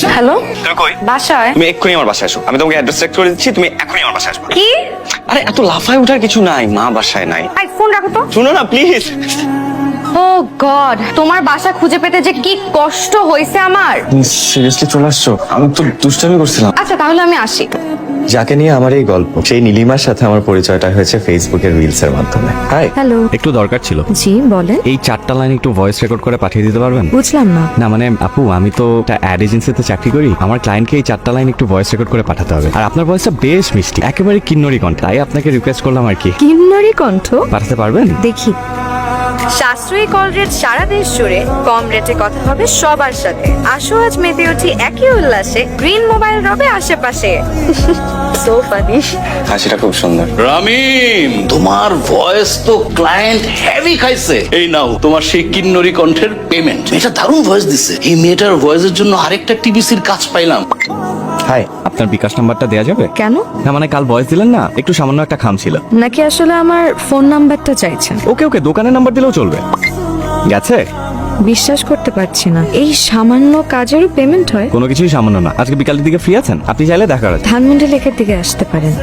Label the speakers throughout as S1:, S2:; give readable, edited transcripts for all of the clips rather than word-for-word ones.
S1: Hello,
S2: তুমি কই?
S1: বাসায়।
S2: তুমি এক্ষুনি আমার বাসায় আসো, আমি তোমাকে অ্যাড্রেস চেক করে দিচ্ছি, তুমি এখনই আমার বাসায় আসো।
S1: কি?
S2: আরে এত লাফায় ওঠার কিছু নাই, মা বাসায় নাই।
S1: আই ফোন রাখো তো।
S2: শুনো না প্লিজ।
S1: ও গড, তোমার বাসা খুঁজে পেতে যে কি কষ্ট হয়েছে আমার।
S2: সিরিয়াসলি চলে আসছো? আমি তো দুষ্টামি করছিলাম।
S1: আচ্ছা তাহলে আমি আসি।
S3: যাকে নিয়ে আমার এই গল্প, সেই নীলিমার সাথে আমার পরিচয়টা হয়েছে ফেসবুকের রিলস এর মাধ্যমে। হাই।
S1: হ্যালো।
S4: একটু দরকার ছিল।
S1: জি বলেন।
S4: এই 4টা লাইন একটু ভয়েস রেকর্ড করে পাঠিয়ে দিতে পারবেন?
S1: বুঝলাম না।
S4: না মানে আপু, আমি তো একটা অ্যাড এজেন্সিতে চাকরি করি। আমার ক্লায়েন্টকে এই 4টা লাইন একটু ভয়েস রেকর্ড করে পাঠাতে হবে। আর আপনার ভয়েসটা বেশ মিষ্টি, একেবারে কিন্নরি কণ্ঠ। তাই আপনাকে রিকোয়েস্ট করলাম আর কি।
S1: কিন্নরি কণ্ঠ?
S4: পাঠাতে পারবেন?
S1: দেখি। সাশ্রয়ী কল রেট সারা দেশ জুড়ে, কম রেটে কথা হবে সবার সাথে। আসো আজ মেতে উঠি একই উল্লাসে, গ্রিন মোবাইল রবে আশেপাশে। So funny.
S2: হাসিটা খুব সুন্দর।
S5: রামিম, তোমার ভয়েস তো ক্লায়েন্ট হেভি খাইছে। এই নাও তোমার সেই কিন্নরি কণ্ঠের পেমেন্ট। এটা দারুণ ভয়েস দিছে। এই মেয়েটার ভয়েসের জন্য আরেকটা টিভিসির কাজ পাইলাম।
S3: হাই।
S4: আপনার বিকাশ নাম্বারটা দেওয়া যাবে?
S1: কেন?
S4: না মানে কাল ভয়েস দিলেন না, একটু সামান্য একটা খাম ছিল।
S1: নাকি আসলে আমার ফোন নাম্বারটা চাইছেন?
S4: ওকে ওকে, দোকানের নাম্বার দিলেও চলবে। গেছে?
S1: বিশ্বাস করতে পারছি না, এই সামান্য কাজেরও পেমেন্ট হয়?
S4: কোনো কিছুই সামান্য না। আজকে বিকালের দিকে ফ্রি আছেন? আপনি চাইলে দেখা করা যায়।
S1: ধানমন্ডি লেকের দিকে আসতে পারেন।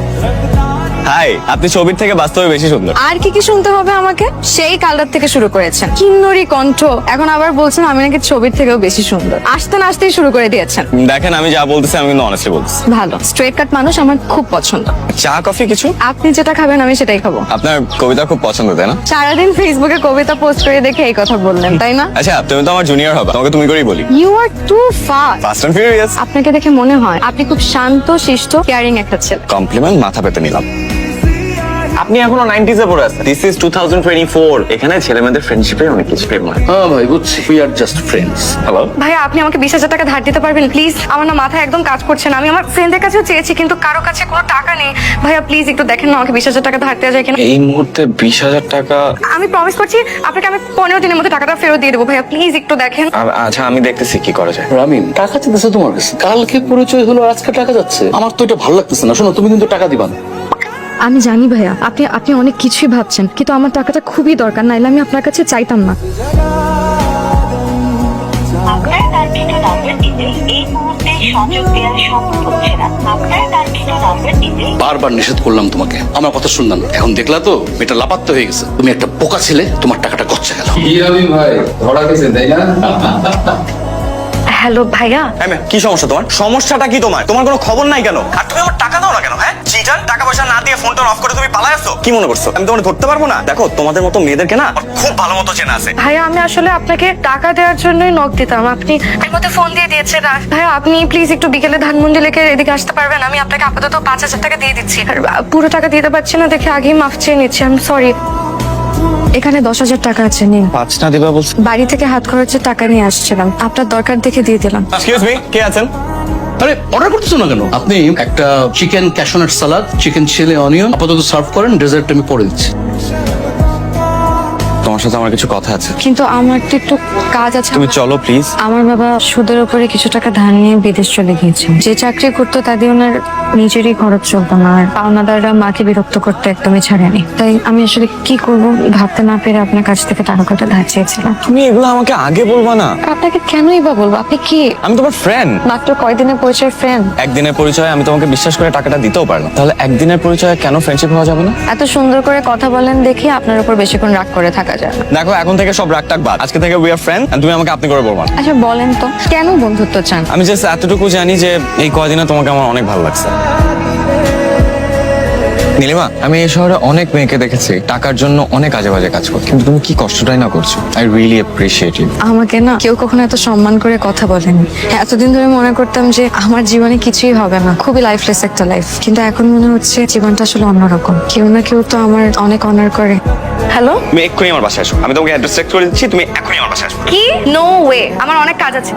S2: হাই, আপনি ছবির থেকে বাস্তবে বেশি সুন্দর।
S1: আর কি কি শুনতে হবে আমাকে? সেই কালটার থেকে শুরু করেছেন কিন্নরি কণ্ঠ, এখন আবার বলছেন আমি নাকি ছবির থেকেও বেশি সুন্দর। আসতে না আসতেই শুরু করে দিয়েছেন।
S2: দেখেন আমি যা বলতেছি আমি কিন্তু অনেস্টলি বলতেছি।
S1: ভালো, স্ট্রেট কাট মানুষ আমার খুব পছন্দ।
S2: চা কফি কিছু?
S1: আপনি যেটা খাবেন আমি সেটাই খাবো।
S2: আপনার কবিতা খুব পছন্দ তাই না?
S1: সারাদিন ফেসবুকে কবিতা পোস্ট করে দেখে এই কথা বললেন তাই না?
S2: আচ্ছা তুমি তো আমার জুনিয়র হবে, তোমাকে তুমি করেই বলি।
S1: You are too fast.
S2: Fast and furious.
S1: আপনাকে দেখে মনে হয় আপনি খুব শান্ত শিষ্ট কেয়ারিং একটা ছেলে।
S2: কমপ্লিমেন্ট মাথা পেতে নিলাম। আপনি এখনো 90s এ পড়ে আছেন। This is 2024। এখানে ছেলে মেয়েদের ফ্রেন্ডশিপে অনেক কিছু প্রেম হয়।
S5: হ্যাঁ ভাই, বুঝছি। We are just friends.
S2: Hello
S1: ভাইয়া আপনি আমাকে 20,000 টাকা ধার দিতে পারবেন প্লিজ? আমার না মাথায় একদম কাজ করছে না। আমি আমার ফ্রেন্ডের কাছেও চেয়েছি কিন্তু কারো কাছে কোনো টাকা নেই। ভাইয়া প্লিজ একটু দেখেন না আমাকে 20,000 টাকা ধার দেওয়া যায় কিনা।
S2: এই মুহূর্তে 20,000 টাকা?
S1: আমি প্রমিস করছি আপনাকে আমি 15 দিনের মধ্যে টাকাটা ফেরত দিয়ে দেবো। ভাইয়া প্লিজ একটু দেখেন।
S2: আচ্ছা আমি দেখতেছি কি করা যায়।
S5: রামিম, টাকা চাইতেছে তোমার কাছে। কালকে পরিচয় হলো, আজকে টাকা যাচ্ছে। আমার তো এটা ভালো লাগতেছে না। শোনো, তুমি কিন্তু টাকা দিবা না।
S1: আমি জানি ভাইয়া আপনি আপনি অনেক কিছুই ভাবছেন, কিন্তু আমার টাকাটা খুবই দরকার, নাইলে আমি আপনার কাছে চাইতাম না।
S6: আপনার কাঙ্ক্ষিত নাম্বারটিতে এই মুহূর্তে সংযোগ দেওয়া সম্ভব হচ্ছে না। আপনার কাঙ্ক্ষিত নাম্বারটিতে
S5: বারবার নিষেধ করলাম তোমাকে, আমার কথা শুনলাম না। এখন দেখলা তো এটা লাপাত্তা হয়ে গেছে। তুমি একটা বোকা ছেলে, তোমার টাকাটা গচ্ছা গেল।
S7: কি রবি ভাই, ধরা গেছে তাই না?
S1: হ্যালো ভাইয়া।
S2: কি সমস্যা তোমার? সমস্যাটা কি তোমার? তোমার কোনো খবর নাই কেন? আর তুমি আমার টাকা দাও না কেন? হ্যাঁ চিটার, টাকা পয়সা না দিয়ে ফোনটা অফ করে তুমি পালাই আসছো। কি মনে করছো আমি তোমার ধরতে পারবো না? দেখো তোমাদের মতো মেয়েদেরকে না আমার খুব ভালো মতো চেনা আছে।
S1: ভাইয়া আমি আসলে আপনাকে টাকা দেওয়ার জন্যই নক দিতাম, আপনি এর মধ্যে ফোন দিয়ে দিয়েছেন। আর ভাইয়া আপনি প্লিজ একটু বিকেলে ধানমন্ডি লেকের এদিকে আসতে পারবেন? আমি আপনাকে আপাতত 5,000 টাকা দিয়ে দিচ্ছি। আর পুরো টাকা দিতে পারছি না দেখে আগেই মাফ চেয়ে নিচ্ছি, আমি সরি। এখানে 10,000 টাকা আছে, নিন।
S2: 5 না দিবা বলছো?
S1: বাড়ি থেকে হাত খরচের টাকা নিয়ে আসছিলাম, আপনার দরকার দেখে দিয়ে দিলাম।
S2: এক্সকিউজ মি, কে আছেন?
S5: আরে অর্ডার করতেছো না কেন? আপনি একটা chicken cashew nut salad, chicken chilli onion আপাতত সার্ভ করেন। ডেজার্ট আমি পরে দিচ্ছি।
S2: তোমার সাথে আমার কিছু কথা আছে।
S1: কিন্তু আমার তো একটু কাজ আছে।
S2: তুমি চলো প্লিজ।
S1: আমার বাবা সুদের উপরে কিছু টাকা ধার নিয়ে বিদেশ চলে গিয়েছেন। যে চাকরি করতো তা দিয়ে ওনার নিজেরই খরচ চলতো না, আর পাওনাদাররা মাকে বিরক্ত করতে একদমই ছাড়েনি। তাই আমি আসলে কি করব ভাবতে না পেরে আপনার কাছ থেকে টাকা কটা ধার চেয়েছিলাম।
S2: তুমি এগুলো আমাকে আগে বলবা না।
S1: আপনাকে কেনই বা বলবো? আপনি কি
S2: আমি তোমার ফ্রেন্ড।
S1: মাত্র কয়দিনের পরিচয় ফ্রেন্ড?
S2: একদিনের পরিচয় আমি তোমাকে বিশ্বাস করে টাকাটা দিতেও পারলাম, তাহলে একদিনের পরিচয় কেন ফ্রেন্ডশিপ হওয়া যাবে না?
S1: এত সুন্দর করে কথা বলেন দেখি আপনার উপর বেশিক্ষণ রাগ করে থাকা যায় না।
S2: দেখো এখন থেকে সব রাগ টাক বাদ। আজকে থেকে উই আর ফ্রেন্ড, তুমি আমাকে আপনি করে বলবা না।
S1: আচ্ছা বলেন তো কেন বন্ধুত্ব চান?
S2: আমি জাস্ট এতটুকু জানি যে এই কয়দিনে তোমাকে আমার অনেক ভালো লাগছে। নীলিমা, আমি এই শহরে অনেক মেয়েকে দেখেছি টাকার জন্য অনেক আজে বাজে কাজ করতে, কিন্তু তুমি কি কষ্টটাই না করছো। I really appreciate you.
S1: আমাকে না কেউ কখনো এত সম্মান করে কথা বলেনি। এতদিন ধরে মনে করতাম যে আমার জীবনে কিছুই হবে না, খুবই লাইফলেস একটা লাইফ, কিন্তু এখন মনে হচ্ছে জীবনটা আসলে অন্যরকম। কেউ না কেউ তো আমার অনেক অনার করে। হ্যালো,
S2: তুমি এক্ষুনি আমার বাসায় আসো, আমি তোমাকে অ্যাড্রেস চেক করে দিচ্ছি, তুমি এক্ষুনি আমার বাসায় আসো।
S1: কি? নো ওয়ে, আমার অনেক কাজ আছে।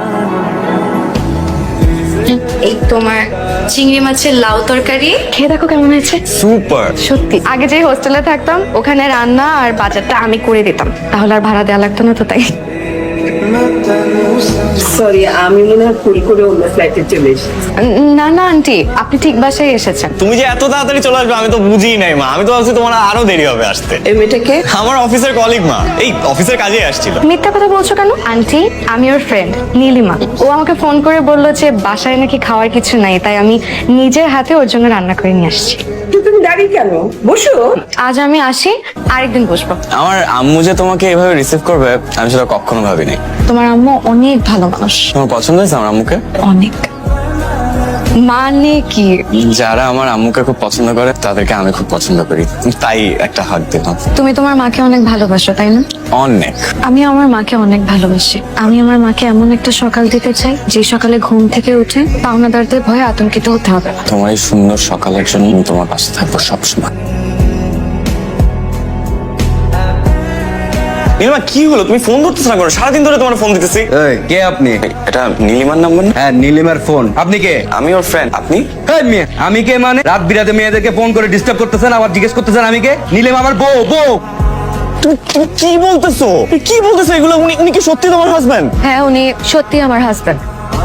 S1: এই তোমার চিংড়ি মাছের লাউ তরকারি খেয়ে দেখো কেমন হয়েছে।
S2: সুপার।
S1: সত্যি আগে যে হোস্টেলে থাকতাম ওখানে রান্না আর বাজারটা আমি করে দিতাম, তাহলে আর ভাড়া দেওয়া লাগতো না তো, তাই
S8: সরি, আমি মনে হয় ভুল করে অন্য ফ্লাইটে চলে এসেছি।
S1: না না আন্টি, আপনি ঠিক বাসায় এসেছেন।
S2: তুমি যে এত তাড়াতাড়ি চলে আসবে আমি তো বুঝিই নাই মা। আমি তো ভাবছি তোমার আরো দেরি হবে আসতে।
S8: এই মেয়েটাকে
S2: আমার অফিসের কলিগ মা, এই অফিসের কাজেই আসছিল।
S1: মিথ্যা কথা বলছো কেন? আন্টি, আমি ওর ফ্রেন্ড নীলিমা। ও আমাকে ফোন করে বললো যে বাসায় নাকি খাওয়ার কিছু নাই, তাই আমি নিজের হাতে ওর জন্য রান্না করে নিয়ে আসছি।
S8: তুমি দাঁড়িয়ে কেন? বসো।
S1: আজ আমি আসি, আরেকদিন বসবো।
S2: আমার আম্মু যে তোমাকে এভাবে রিসিভ করবে আমি সেটা কখনো ভাবিনি।
S1: তোমার আম্মু অনেক ভালো মানুষ।
S2: তোমার পছন্দ হয়েছে আমার আম্মুকে?
S1: অনেক। মানে কি?
S2: যারা আমার আম্মুকে খুব পছন্দ করে তাদেরকে আমি খুব পছন্দ করি, তাই একটা হাত দিলাম।
S1: তুমি তোমার মাকে অনেক ভালোবাসো, তাই না?
S2: অনেক।
S1: আমি আমার মাকে অনেক ভালোবাসি। আমি আমার মাকে এমন একটা সকাল দিতে চাই যে সকালে ঘুম থেকে উঠে পাওনাদারদের ভয়ে আতঙ্কিত হতে হবে না।
S2: তোমার এই সুন্দর সকালের জন্য আমি তোমার পাশে থাকবো সবসময়। নীলিমা কি হলো? তুমি ফোন ধরতেছ না কেন? সারাদিন ধরে তোমার ফোন দিতেছি।
S9: এই, কে আপনি?
S2: এটা নীলিমার নাম্বার না?
S9: হ্যাঁ, নীলিমার ফোন। আপনি কে?
S2: আমি ওর ফ্রেন্ড। আপনি?
S9: এই মেয়ে, আমি কে মানে? রাত বিরাতে মেয়েদেরকে ফোন করে ডিস্টার্ব করতেছেন, আবার জিজ্ঞেস করতেছেন আমি কে? নীলিমা আমার বউ।
S2: তুমি কি বলতেছো? কি বলতেছো এগুলো? উনি কি সত্যি তোমার হাজবেন্ড?
S1: হ্যাঁ, উনি সত্যি আমার হাজবেন্ড।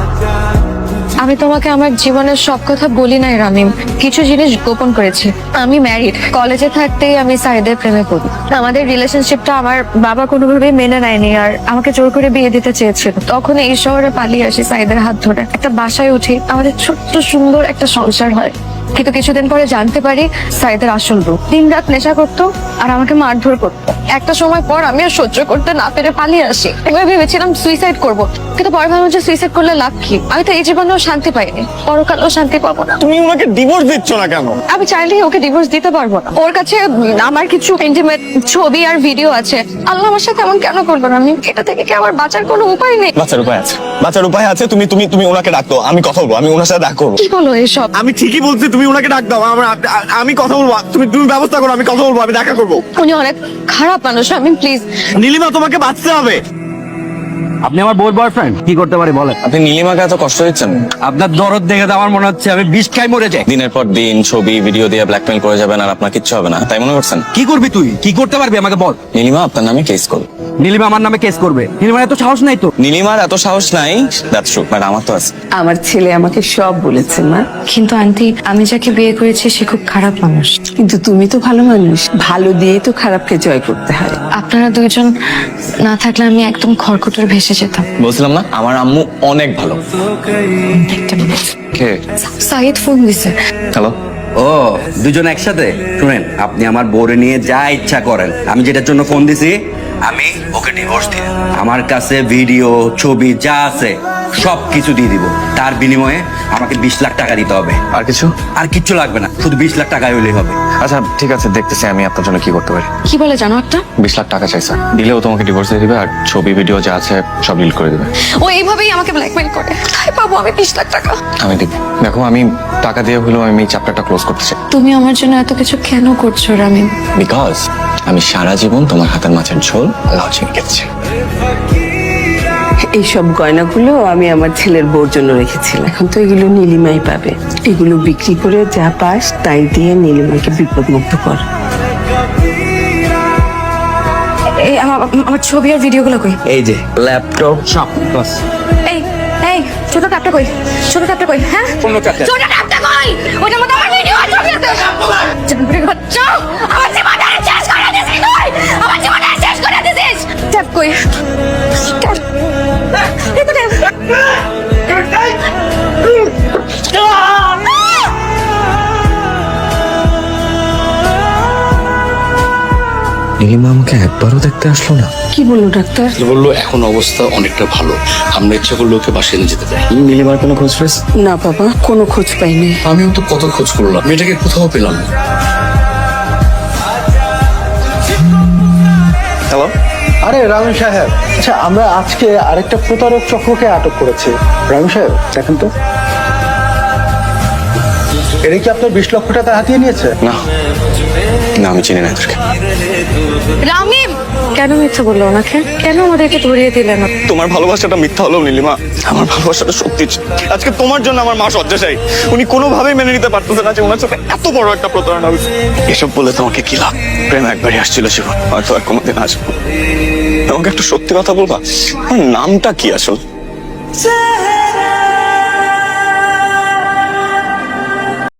S1: আমি তোমাকে আমার জীবনের সব কথা বলি নাই রামিম, কিছু জিনিস গোপন করেছি। আমি ম্যারিড। কলেজে থাকতেই আমি সাইদের প্রেমে পড়ি। আমাদের রিলেশনশিপটা আমার বাবা কোনোভাবেই মেনে নেয়নি, আর আমাকে জোর করে বিয়ে দিতে চেয়েছিল। তখন এই শহরে পালিয়ে আসি সাইদের হাত ধরে, একটা বাসায় উঠি, আমাদের ছোট্ট সুন্দর একটা সংসার হয়। কিন্তু কিছুদিন পরে জানতে পারি সাইদের আসল রূপ। দিনরাত নেশা করতো আর আমাকে মারধর করতো। একটা সময় পর আমি আর সহ্য করতে না পেরে পালিয়ে আসি। এবার ভেবেছিলাম সুইসাইড করব, কিন্তু পরে ভাবলাম যে সুইসাইড করলে লাভ কি? আমি তো এই জীবনেও শান্তি পাইনি, পরকালেও শান্তি পাবো না।
S2: তুমি ওনাকে ডিভোর্স দিচ্ছ না কেন?
S1: আমি চাইলেই ওকে ডিভোর্স দিতে পারবো না। ওর কাছে আমার কিছু ইন্টিমেট ছবি আর ভিডিও আছে। আল্লাহ আমার সাথে এমন কেন করবো না? আমি এটা থেকে কি আমার বাঁচার কোনো উপায় নেই?
S2: বাঁচার উপায় আছে, বাঁচার উপায় আছে। তুমি তুমি তুমি ওনাকে ডাকতো, আমি কথা বলবো, আমি ওনার সাথে দেখা করবো।
S1: কি বলো এসব?
S2: আমি ঠিকই বলছি, তুমি ওনাকে ডাক দাও, আমি কথা বলবো। তুমি তুমি ব্যবস্থা করো, আমি কথা বলবো, আমি দেখা করবো।
S1: উনি অনেক খারাপ মানুষ, আমি প্লিজ।
S2: নীলিমা তোমাকে বাঁচতে হবে।
S9: আপনি আমার বউর বয়ফ্রেন্ড, কি করতে পারি বলেন?
S2: আপনি নীলিমাকে এত কষ্ট দিচ্ছেন?
S9: আপনার দরদ দেখে তো আমার মনে হচ্ছে আমি বিষ খাই মরে যাই।
S2: দিনের পর দিন ছবি ভিডিও দিয়ে ব্ল্যাকমেল করে যাবেন আর আপনার কিচ্ছু হবে না, তাই মনে করছেন?
S9: কি করবি তুই? কি করতে পারবি আমাকে বল।
S2: নীলিমা আপনার নামে কেস করবে।
S9: নীলিমা আমার নামে কেস করবে? নীলিমার এত সাহস নাই তো।
S2: নীলিমার এত সাহস নাই, দ্যাটস ট্রু, বাট আমার তো আছে।
S8: আমার ছেলে আমাকে সব বলেছে মা।
S1: কিন্তু আন্টি, আমি যাকে বিয়ে করেছি সে খুব খারাপ মানুষ।
S8: কিন্তু তুমি তো ভালো মানুষ, ভালো দিয়েই তো খারাপকে জয় করতে হয়।
S1: আপনারা দুইজন না থাকলে আমি একদম খড়কুটোর ভেসে যেতাম।
S2: বলছিলাম না আমার আম্মু অনেক ভালো।
S1: একটা মিনিট।
S2: কে?
S1: সাইদ ফোন দিছে।
S2: হ্যালো।
S9: ও, দুজন একসাথে? শুনেন, আপনি আমার বউরে নিয়ে যা ইচ্ছা করেন। আমি যেটার জন্য ফোন দিছি, আমি ওকে ডিভোর্স দিয়ে আমার কাছে ভিডিও ছবি যা আছে সব কিছু দিয়ে দিব। তার বিনিময়ে আমাকে 20 লাখ টাকা দিতে হবে।
S2: আর কিছু?
S9: আর কিচ্ছু লাগবে না, শুধু 20 লাখ টাকা হইলেই হবে।
S2: আচ্ছা ঠিক আছে, দেখতেছি আমি আপনার জন্য কি করতে পারি।
S1: কি বলে জানো একটা?
S2: 20 লাখ টাকা চাইছে, দিলেও তোমাকে ডিভোর্স দিয়ে দিবে আর ছবি ভিডিও যা আছে সব ডিলিট করে দিবে।
S1: ও এইভাবেই আমাকে ব্ল্যাকমেল করে। কোথায় পাবো আমি 20 লাখ টাকা?
S2: আমি দিব। দেখো আমি টাকা দিয়ে হলেও আমি এই চ্যাপ্টারটা ক্লোজ করতে চাই।
S1: তুমি আমার জন্য এত কিছু কেন করছো রামিম?
S2: বিকজ আমি সারা জীবন তোমার হাতের মাছের ঝোল লাউ চিংড়ি খেতেছি।
S8: এইসব গয়নাগুলো আমি আমার ছেলের বউর জন্য রেখেছিলাম। এখন তো এগুলো নীলিমাই পাবে। এগুলো বিক্রি করে যা পাস তাই দিয়ে নীলিমাকে বিপদ মুক্ত কর।
S1: এই আমার ছবি আর ভিডিওগুলো কই?
S9: এই যে ল্যাপটপ সব বাস।
S1: এই এই ছোট ট্যাপটা কই? ছোট ট্যাপটা কই? হ্যাঁ,
S9: কোন ট্যাপটা?
S1: ছোট ট্যাপটা কই? ওটার মধ্যে আমার ভিডিও আর ছবি আছে। জানবি বাচ্চা, আমার জীবনটা শেষ করে দিছিস তুই। আমার জীবনটা শেষ করে দিছিস। ট্যাপ কই? ট্যাপ। এই তো ট্যাপ।
S2: নীলিমা আমাকে একবারও দেখতে আসলো না।
S8: কি বললো ডাক্তার?
S5: বললো এখন অবস্থা অনেকটা ভালো, আমরা ইচ্ছা করলে ওকে বাসায় নিয়ে যেতে চাই।
S2: নীলিমার কোনো খোঁজ পেয়েছে?
S8: না বাবা, কোনো খোঁজ পাইনি।
S5: আমিও তো কত খোঁজ করলাম, মেয়েটাকে কোথাও পেলাম না।
S2: হ্যালো।
S10: আরে রামু সাহেব, আচ্ছা আমরা আজকে আরেকটা প্রতারক চক্রকে আটক করেছি। রামু সাহেব দেখেন তো, এরা কি আপনার 20 লক্ষ টাকা হাতিয়ে নিয়েছে?
S2: না না, আমি চিনি না এদেরকে।
S1: রামিম কেন মিথ্যা বললো ওনাকে? কেন আমাদেরকে ধরিয়ে দিলেন?
S2: তোমার ভালোবাসাটা মিথ্যা হলো নীলিমা, আমার ভালোবাসাটা সত্যি ছিল। আজকে তোমার জন্য আমার মা শয্যাশায়ী। উনি কোনোভাবেই মেনে নিতে পারতেছে না যে ওনার সাথে এত বড় একটা প্রতারণা হয়েছে। এসব বলে তোমাকে কি লাভ? প্রেম একবারই আসছিল জীবন, হয়তো আর কোনোদিন আসবো। তোমাকে একটা সত্যি কথা বলবা, আমার নামটা কি আসল?